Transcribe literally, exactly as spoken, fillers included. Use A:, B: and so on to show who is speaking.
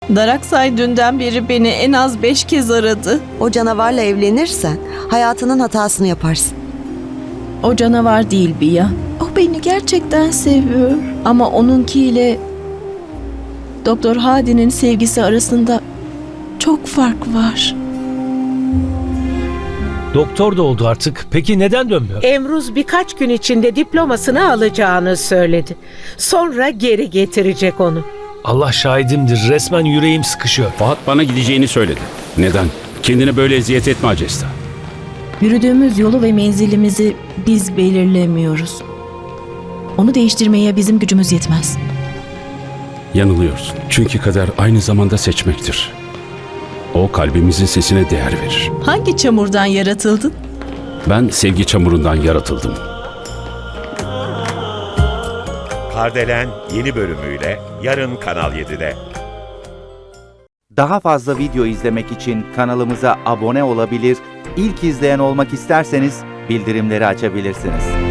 A: Daraksay dünden beri beni en az beş kez aradı.
B: O canavarla evlenirsen hayatının hatasını yaparsın.
A: O canavar değil Biya. O beni gerçekten seviyor. Ama onunkiyle Doktor Hadi'nin sevgisi arasında çok fark var.
C: Doktor da oldu artık. Peki neden dönmüyor?
D: Emruz birkaç gün içinde diplomasını alacağını söyledi. Sonra geri getirecek onu.
C: Allah şahidimdir. Resmen yüreğim sıkışıyor.
E: Fahat bana gideceğini söyledi. Neden? Kendine böyle eziyet etme Acesta.
A: Yürüdüğümüz yolu ve menzilimizi biz belirlemiyoruz. Onu değiştirmeye bizim gücümüz yetmez.
E: Yanılıyorsun. Çünkü kader aynı zamanda seçmektir. O kalbimizin sesine değer verir.
A: Hangi çamurdan yaratıldın?
E: Ben sevgi çamurundan yaratıldım.
F: Kardelen yeni bölümüyle yarın Kanal yedide.
G: Daha fazla video izlemek için kanalımıza abone olabilir, ilk izleyen olmak isterseniz bildirimleri açabilirsiniz.